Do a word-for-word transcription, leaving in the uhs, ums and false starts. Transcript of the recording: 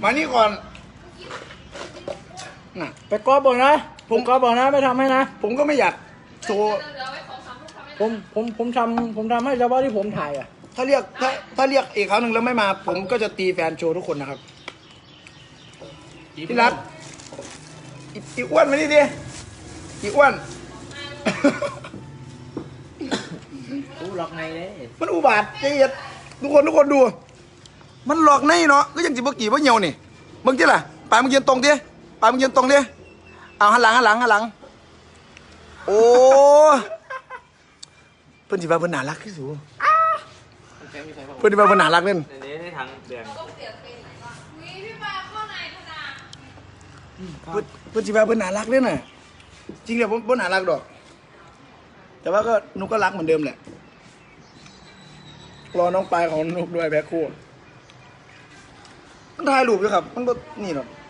มานี่ก่อนน่ะไปกอบบอกนะผมกอบบอกนะไม่ทำให้นะผมก็ไม่อยากโชว์ผมผมผมทำผมทำให้เฉพาะที่ผมถ่ายอ่ะถ้าเรียกถ้าถ้าเรียกอีกครั้งหนึ่งแล้วไม่มา ผมก็จะตีแฟนโชว์ทุกคนนะครับพี่รักอีอ้วนมานี่ดิอีอ้วนอู้หลอกในเลยมันอุบาทใจเย็นทุกคนทุกคนดูมันหลอกในเนาะก็ยังจิบกี่ว่าเหี่ยวนี่มึงที่ล่ะปลายมึงยืนตรงดิปลายมึงยืนตรงดิเอาหันหลังหันหลังหันหลังโอ้เพิ่นสิว่าเพิ่นน่ารักที่สุดเพิ่นสิว่าเพิ่นน่ารักเล่นในนี้ในทางแดงเพิ่นเพิ่นสิว่าเพิ่นน่ารักเล่นน่ะจริงๆผมบ่น่ารักดอกแต่ว่าก็นุกก็รักเหมือนเดิมแหละรอน้องปลายของนุกด้วยแพ็คคู่มันถ่ายรูปอยู่ครับมันก็นี่หรอก